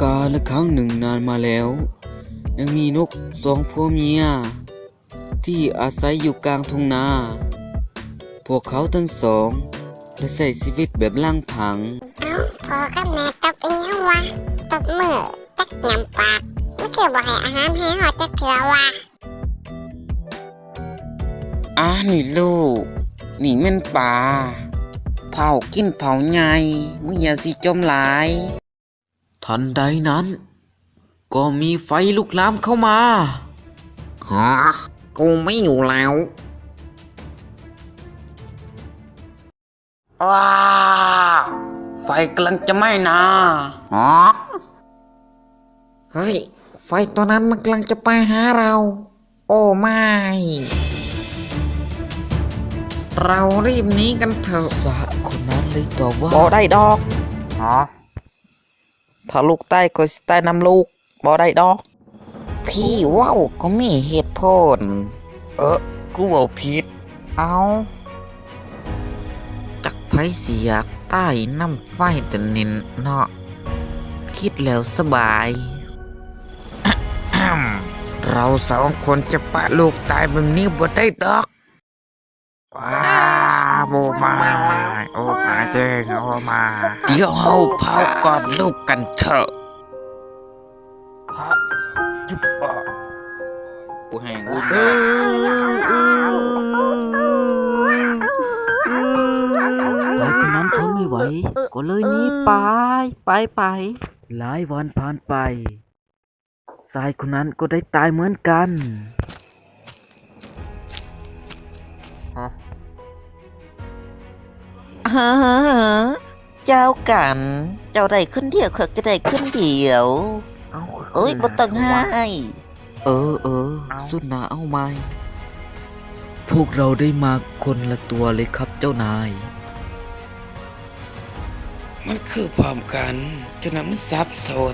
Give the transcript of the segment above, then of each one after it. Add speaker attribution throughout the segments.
Speaker 1: กาลครั้งหนึ่งนานมาแล้วยังมีนกสองผัวเมียที่อาศัยอยู่กลางทุ่งนาพวกเขาทั้งสองได้ใช้ชีวิตแบบล่างผัง
Speaker 2: เอ้าพอกับแม่ตบอีหยังวะตบมือจักยำปากไม่คือบ่ให้อาหารให้หอจักเถื่อวะ
Speaker 1: นี่ลูกนี่แม่นป่าเผากินเผาใหญ่มึงอย่าสิจมหลายทันใดนั้นก็มีไฟลุกลามเข้ามา
Speaker 3: ฮะกูไม่อยู่แล้ว
Speaker 1: ว้าไฟกำลังจะไหม้นะ
Speaker 3: ฮะเฮ้ยไฟตัวนั้นมันกำลังจะไปหาเราโอ้ไม่เรารีบหนีกันเถอะ
Speaker 1: สะคนนั้นเลยตอบว่า
Speaker 4: บ่ได้ดอกถ้าลูกใต้ก็สิใต้นำลูกบ่ได้ดอก
Speaker 3: พี่ว้าวก็มีเหตุผล
Speaker 1: กูเอาผิด
Speaker 3: เอาจักไผสิอยากใต้น้ำไฟแต่เน้นเนาะคิดแล้วสบาย เราสองคนจะปะลูกตายแบบนี้บ่ได้ดอกว้าโบมาโอ้มาเจ้งโอ้มา
Speaker 1: เดี๋ยวเฮาเผากอดลูกกันเถอะกูแหง
Speaker 4: ไฟคนนั้นทนไม่ไหวก็เลยหนีไปหลายวันผ่านไปชายคนนั้นก็ได้ตายเหมือนกัน
Speaker 3: เจ้ากันเจ้าได้ขึ้นเดียวเขาก็ได้ขึ้นเดียวโอ้ยบ่ต้องให้
Speaker 1: สุดหนาเอาไหมพวกเราได้มาคนละตัวเลยครับเจ้านายมันคือพร้อมกันจนมันสับสน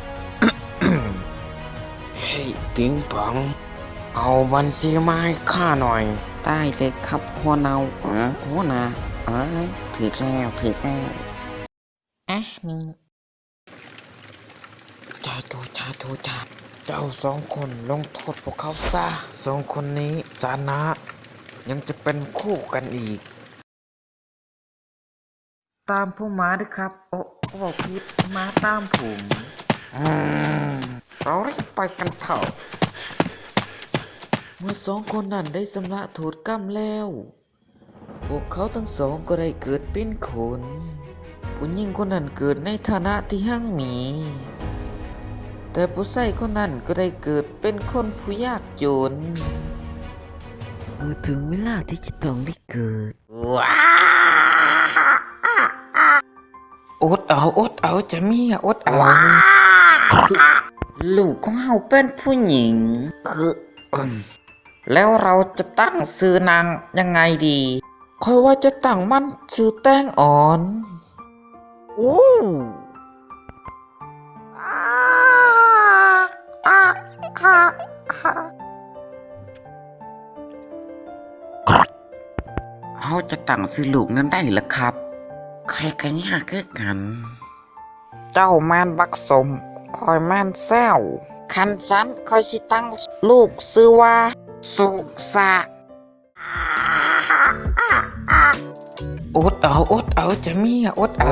Speaker 1: เฮ้ยติ๋งป๋องเอาบัญชีมาให้ข้าหน่อย
Speaker 3: ได้เลยครับหัวเนาหัวนาถึกแล้วนี่
Speaker 1: จ้าเจ้าสองคนลงโทษพวกเขาซะสองคนนี้สานะยังจะเป็นคู่กันอีก
Speaker 3: ตามผู้มาด้วยครับโอ้บอกผิดมาตามผมเรารีบไปกันเถอะ
Speaker 1: เมื่อสองคนนั้นได้ชำระโทษกรรมแล้วพวกเขาทั้งสองก็ได้เกิดเป็นคนผู้หญิงคนนั้นเกิดในฐานะที่หั่งมีแต่ผู้ชายคนนั้นก็ได้เกิดเป็นคนผู้ยากจน
Speaker 4: ถึงเวลาที่จะต้องได้เกิด
Speaker 1: อดเอาจะมีอดเอา
Speaker 3: ลูกของเฮาเป็นผู้หญิงแล้วเราจะตั้งชื่อนางยังไงดี
Speaker 1: ค่อยว่าจะตั้งมันชื่อแต้งอ่อน
Speaker 3: เขาจะตั้งชื่อลูกนั้นได้หรือครับใครกันยากคือกันเจ้าแมนบักสมคอยแมนแซวคันฉันคอยสิตั้งลูกชื่อว่าสุสะ
Speaker 1: อดเอาจะมีอดเอา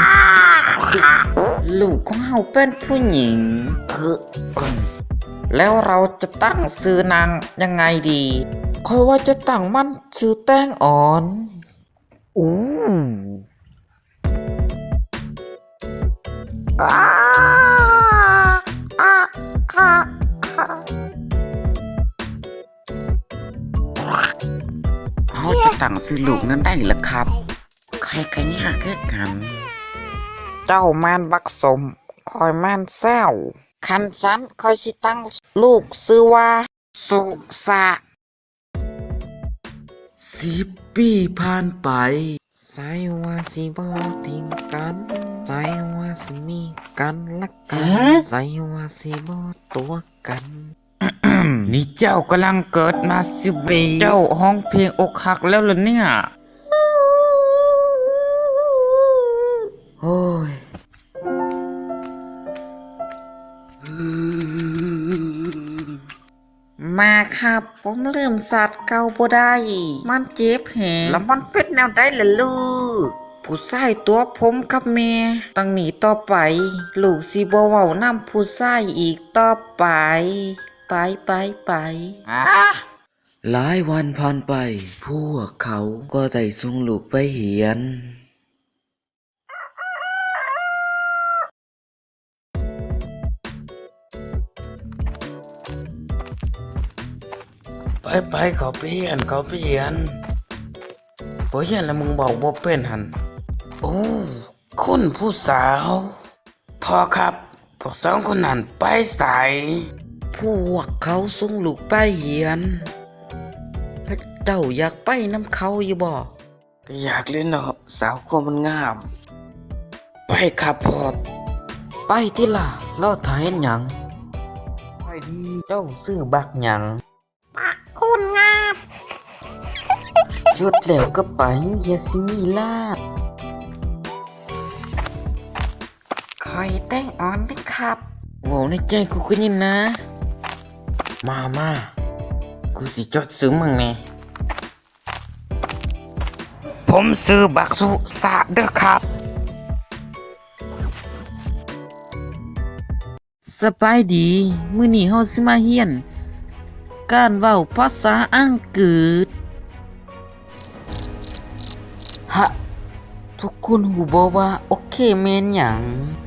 Speaker 3: ลูกของเฮาเป็นผู้หญิงแล้วเราจะตั้งชื่อนางยังไงดี
Speaker 1: ค่อยว่าจะตั้งมันชื่อแต้งอ่อน
Speaker 3: เขาจะตั้งชื่อลูกนั้นได้หรือครับใครกันยากคือกันเจ้าแมนบักสมคอยแมนแซวคันฉันคอยสิตั้งลูกชื่อว่าสุสะ
Speaker 1: 10 ปีผ่านไป
Speaker 3: ใจว่าสิบ่ทิ้งกันใจว่าสิมีกันละกันใจว่าสิบ่ตัวกัน
Speaker 1: นี่เจ้ากำลังเกิดมา10 ปีเจ้าห้องเพลงอกหักแล้วเหรอเนี่ยโอ้ย
Speaker 3: มาครับ ผมลืมสัตว์เก่าบ่ได้ มันเจ็บแหงแล้วมันเป็นแนวใดล่ะลูก ผู้ชายตัวผมกับแม่ตั้งหนีต่อไป ลูกสิบ่เว้านำผู้ชายอีกต่อไป ไป
Speaker 1: หลายวันผ่านไป พวกเขาก็ได้ส่งลูกไปเรียน ไปเขาไปเรียนบ่เรียนแล้วมึงบอกบ่เป็นหันโอ้คุณผู้สาวพอครับพวกสองคนนั้นไปใส่พวกเขาส่งลูกไปเรียนแล้วเจ้าอยากไปน้ำเขาอยู่บ่ก็อยากเล่นเนาะสาวคนมันงาม ไปครับพ่อไปที่ล่ะรอถ่ายเห็นหยังไปดีเจ้าซื้อบักหยัง
Speaker 2: คุณงาม
Speaker 1: จุดแล้วก็ไปอย่าสิมีลาด
Speaker 3: คอยแต่งอ่อนไหมครับ
Speaker 1: โว้ในใจกูก็ยินนะ มากูสิจดซื้อมึงแน่ผมซื้อบักสุสะเด้อครับ สบายดี มื้อนี้เฮาสิมาเรียน การเว้าภาษาอังกฤษฮะ ทุกคนหูบ่ว่าโอเคแม่นหยัง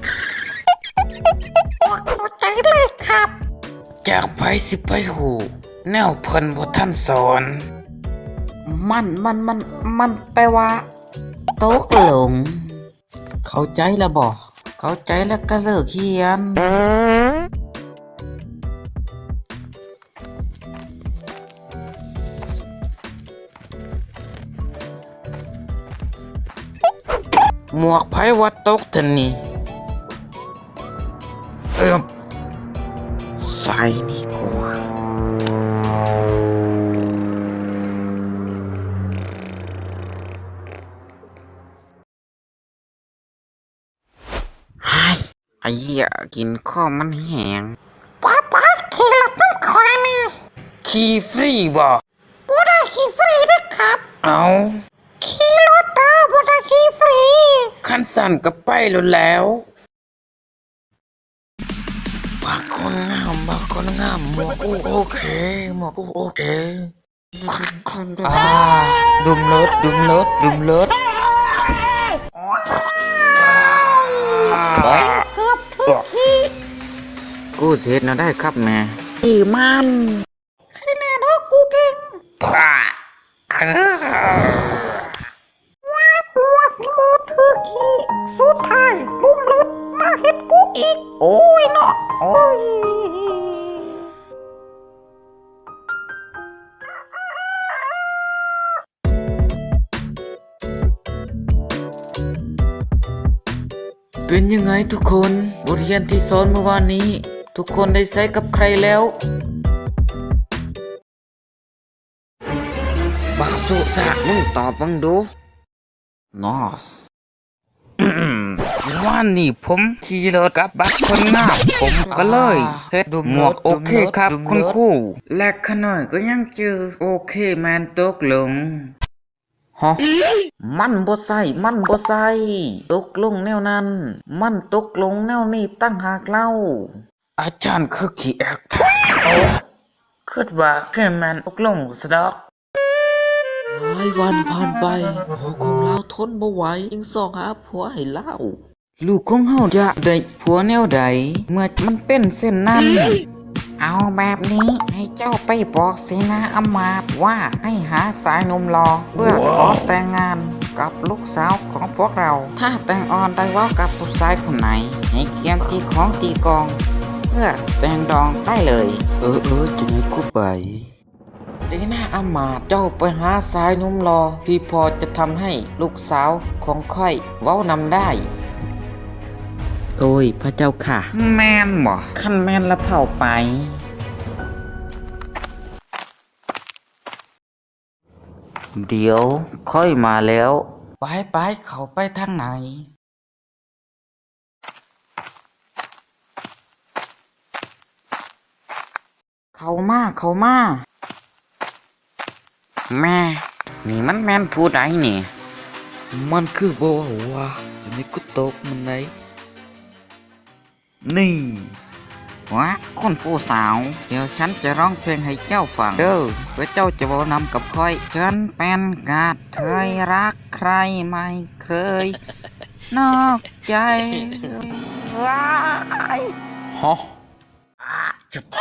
Speaker 2: เข้าใจเลยครับ
Speaker 1: จากไผสิไปหูแนวเพิ่นบ่ทันสอน มันแปลว่าตกหลง เข้าใจแล้วบ่เข้าใจแล้วก็เลิกเขียน หมวกไผว่าตกทันนี่ใส่ดีกว่าไอ้เหี้ยกินข้าวมันแห้ง
Speaker 2: ป้าขี่รถน้ำคอยนี่
Speaker 1: ขี้ฟรีบ่
Speaker 2: บ่ได้ขี่ฟรีนะครับ
Speaker 1: เอา
Speaker 2: ขี่รถบ่ได้ขี่ฟรี
Speaker 1: ขั้นสั่นก็ไปแล้วบางคนงามหมวกกูโอเคดุมรถ
Speaker 2: เกือบทุกที
Speaker 1: กูเสร็จนะได้ครับแม่
Speaker 2: มันแค่แน่นอนกูเก่ง
Speaker 1: พระ
Speaker 2: หัวสิโมถือขี้สุดท้ายลุมรถมาเฮ็ดกูอีก โอ้ยเนาะโอ้ย
Speaker 1: เป็นยังไงทุกคนบทเรียนที่สอนเมื่อวานนี้ ทุกคนได้ใช้กับใครแล้ว บักสุสะมึงตอบบังดูนอส ว่านี่ผมขี่รถกับบักคนงามผมก็เลยเฮ็ดหมวกโอเคครับคุณครูและขน่อยก็ยังเจอโอเคแมนตกลงฮะมันบ่ใส่ตกลงแนวนั้น มันตกลงแนวนี้ตั้งหากเล่า อาจารย์คือขี้แอกแท้โอ้คิดว่าแค่แมนตกลงซะดอก หลายวันผ่านไปพ่อของเราทนบ่ไหวจึงส่องหาผัวให้เล่าลูกของเฮาจะได้ผัวแนวใดเมื่อมันเป็นเส้นนั้น
Speaker 3: เอาแบบนี้ให้เจ้าไปบอกเสนาอำมาตย์ว่าให้หาสายหนุ่มรอเพื่อขอแต่งงานกับลูกสาวของพวกเรา ถ้าแต่งอ่อนได้เว่ากับผู้ชายคนไหน ให้เกียมตีของตีกอง เพื่อแต่งดองได้เลย
Speaker 1: จะให้กูไป
Speaker 3: เสนาอำมาตย์เจ้าไปหาสายหนุ่มรอที่พอจะทำให้ลูกสาวของค่อยเว้านำได้
Speaker 1: โอ้ยพระเจ้าค่ะ
Speaker 3: แม่นบ่ขั้นแม่นละเผาไป
Speaker 1: เดี๋ยวค่อยมาแล้ว
Speaker 3: ไปเขาไปทางไหนเข้ามาเข้ามา แม่ นี่มันแม่นผู้ใดนี่
Speaker 1: มันคือบ่เว้าว่าจะไม่กูตบมันไหนนี่
Speaker 3: วะคุณผู้สาว เดี๋ยวฉันจะร้องเพลงให้เจ้าฟังเด้อเพื่อเจ้าจะเว้านำกับค่อย ฉันเป็นกาดเทยรักใครไม่เคย นอกใจว้าย
Speaker 1: ฮะ
Speaker 3: จุบ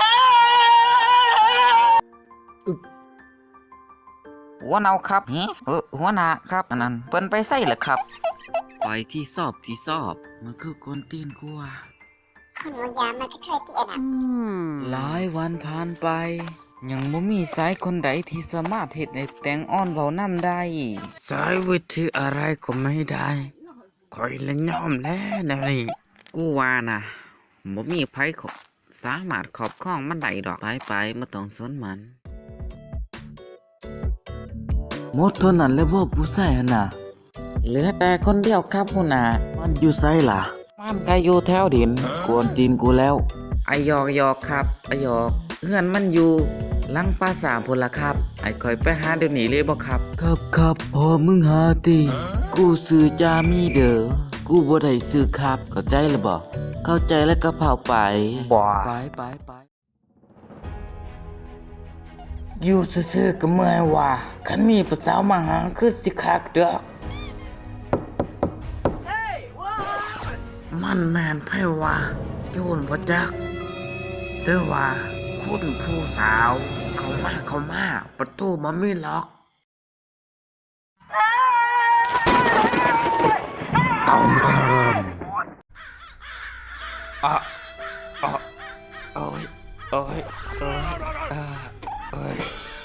Speaker 3: หัวเนาครับหัวหน้าครับอันนั้นเปิ้นไปใส่เหรอครับ
Speaker 1: ไปที่สอบมันคือคนตีนกูว่า
Speaker 2: คนหมูยามันก็เคยเตียนอ่ะ
Speaker 1: หลายวันผ่านไป ยังบ่มีสายคนใดที่สามารถเฮ็ดให้แตงอ่อนเว้านำได้ สายวิธีอะไรก็ไม่ได้คอยละยอมแล้วนะนี่
Speaker 3: กูว่านะบ่มีไผสามารถครอบครองมันได้ดอกไปบ่ต้องสนมัน
Speaker 1: หมดเท่านั้นแล้วบ่ผู้ชายหั่นน่ะ
Speaker 3: เหลือแต่คนเดียวครับหัวหน้า
Speaker 1: มันอยู่ไสล่ะ
Speaker 3: มันก็อยู่แถวดิน
Speaker 1: กวนตีนกูแล้ว
Speaker 3: ไอยอกครับไอยอกเฮือนมันอยู่หลังปราสาทพุ่นล่ะครับไอคอยไปหาเดี๋ยวนี้เลยบ่ครับ
Speaker 1: ครับพอมึงหาติกูซื้อจามีเด้อกูบ่ได้ซื้อครับเข้าใจแล้วบ่เข้าใจแล้วก็เผาไป
Speaker 3: บ่
Speaker 1: ไป
Speaker 3: อยู่ซื่อๆก็เมื่อยว่าคันมีผู้สาวมาหาคือสิคักเด้อมันแม่นไผว่าโจรบ่จักหรือว่าคุณผู้สาวเข้ามาประตูมันไม่ล็อกต้องเริ่มโอ้ยโอ้ยโอ้ย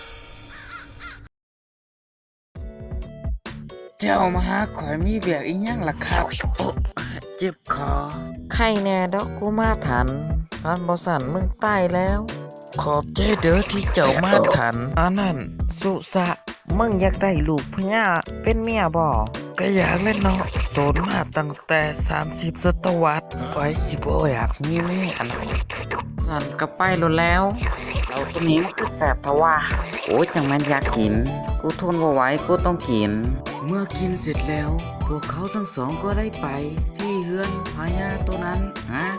Speaker 3: เจ้ามาหาข่อยมีเบียกอีหยังล่ะครับโอ้เจ็บคอไข้แน่ดอกกูมาทันอันบ่สั่นมึงตายแล้ว ขอบใจเด้อที่เจ้ามาทันอันนั้นสุสะมึงอยากได้ลูกพญาเป็นเมียบ่ก็อยากเล่นเนาะโสดมาตั้งแต่30ศตวรรษไปสิบ่อยากมีเมียนะสั่นก็ไปแล้วเราตัวนี้มันคือแสบทว่าโอ้ยจังแม่นอยากกินกูทนบ่ไหวกูต้องกิน
Speaker 1: เมื่อกินเสร็จแล้ว พวกเขาทั้งสองก็ได้ไปที่เฮือนพญาตัวนั้น
Speaker 3: ฮะ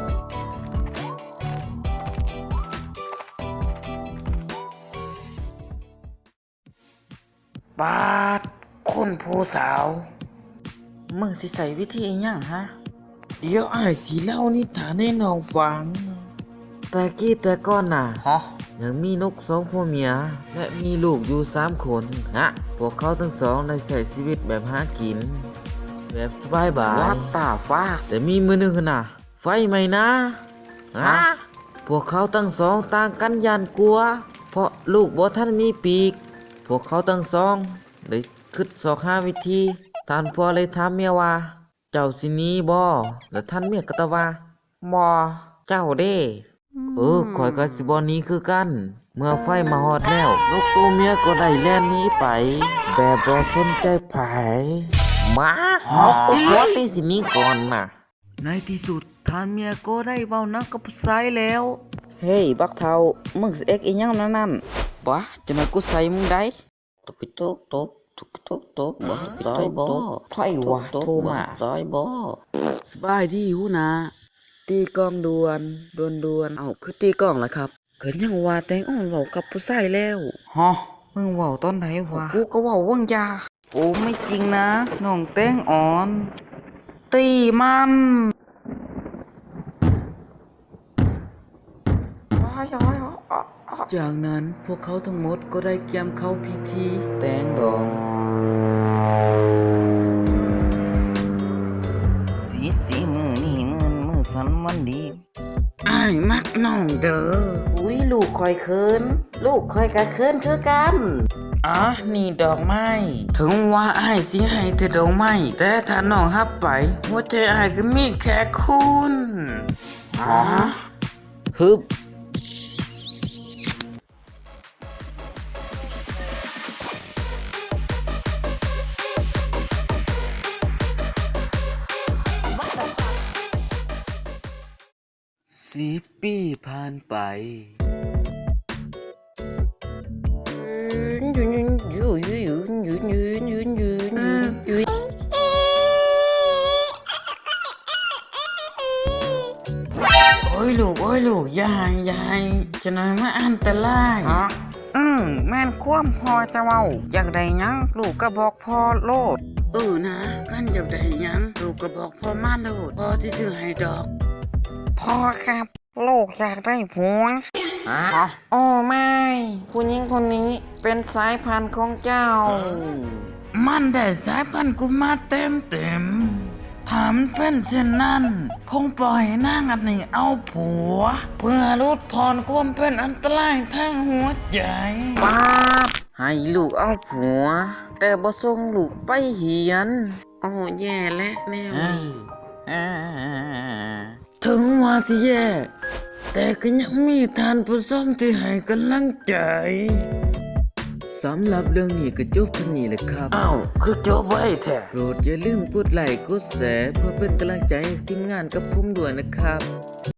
Speaker 3: บาดคุณผู้สาว มึงสิใส่วิธีอิหยังฮะ เดี๋ยวอ้ายสิเล่านิทานให้น้องฟัง
Speaker 1: แต่กี้แต่ก่อนน่ะ
Speaker 3: ฮะ
Speaker 1: ยังมีนกสองผัวเมีย และมีลูกอยู่3 คนฮะพวกเขาทั้งสองได้ใช้ชีวิตแบบหากิน แบบสบายบา
Speaker 3: วั
Speaker 1: ย
Speaker 3: ดตาฟ้า
Speaker 1: แต่มีมื้อหนึงน่ะ ไฟไหม้นะฮะพวกเขาทั้งสองต่างกันยานกลัว เพราะลูกบ่ทันมีปีก พวกเขาทั้งสองได้คิดสอกหาวิธีท่านพ่อเลยถามเมียว่า เจ้าสิหนีบ่แล้วท่านเมียก็ตอบว่า
Speaker 3: บ่เจ้าเด้
Speaker 1: ข่อยก็สิบ่หนี้คือกัน เมื่อไฟมาฮอดแล้วนกตัวเมียก็ได้แล่นหนี้ไป แบบบ่สนใจไผ
Speaker 3: มาฮอกหัวตีสิหนี้ก่อนน่ะ
Speaker 1: ในที่สุดท่านเมียก็ได้เว้านักกับผู้ชายแล้ว
Speaker 3: เฮ้ยบักเทามึงสิเอ็กอีหยังนั่นบ่จะมากูใส่มึงได้ตกบ่ซอยบ่ไผวะโทรมาซอยบ่
Speaker 1: สบายดีหูนะตีกลองด่วนเอ้าคือตีกลองล่ะครับเกิดยังว่าแตงอ่อนเว้ากับผู้ชายแล้ว
Speaker 3: ฮะมึงเว้าตอนไหนวะกูก็เว้าว่างยาโอ้ไม่จริงนะน้องแตงอ่อน ตีมัน
Speaker 1: จากนั้นพวกเขาทั้งหมดก็ได้เตรียมเข้าพิธีแตงดอง
Speaker 3: สีมือนี่มือสันมันดีอ้ายมักน้องเด้ออุ้ยลูกคอยเคินลูกคอยกะเคินคือกันอ๋อนี่ดอกไม้ถึงว่าอ้ายสิให้แต่ดอกไม้แต่ถ้าน้องรับไปหัวใจอ้ายก็มีแค่คุณอ๋อฮึบ
Speaker 1: 10 ปีผ่านไปยลูกอย่าให้จะหน่อยมาอันตราย
Speaker 3: ฮะแม่นความพ่อจะเว้าอยากได้หยังลูกก็บอกพ่อโลด
Speaker 1: นะกันอยากได้หยังลูกก็บอกพ่อมาโลดพ่อสิซื้อให้ดอก
Speaker 3: พ่อครับลูกอยากได้ผัว
Speaker 1: ฮะ
Speaker 3: โอ้ไม่ผู้หญิงคนนี้เป็นสายพันธุ์ของเจ้า
Speaker 1: มันได้สายพันธุ์กูมาเต็มถามเป็นเช่นนั้นคงปล่อยนางอันนี้เอาผัว เพื่อลดผ่อนความเป็นอันตรายทางหัวใจ
Speaker 3: ป้าบให้ลูกเอาผัว แต่บ่ส่งลูกไปเหียน โอ้แย่และแนวนี้
Speaker 1: ถึงว่าสิแย่แต่ก็ยังมีทานผู้ชมที่ให้กำลังใจ
Speaker 4: สำหรับเรื่องนี้ก็จบเท่านี้แหละครับ
Speaker 1: อ้าวคือจบไว้แท้
Speaker 4: โปรดอย่าลืมกดไลค์กดแชร์เพื่อเป็นกำลังใจให้ทีมงานกับผมด้วยนะครับ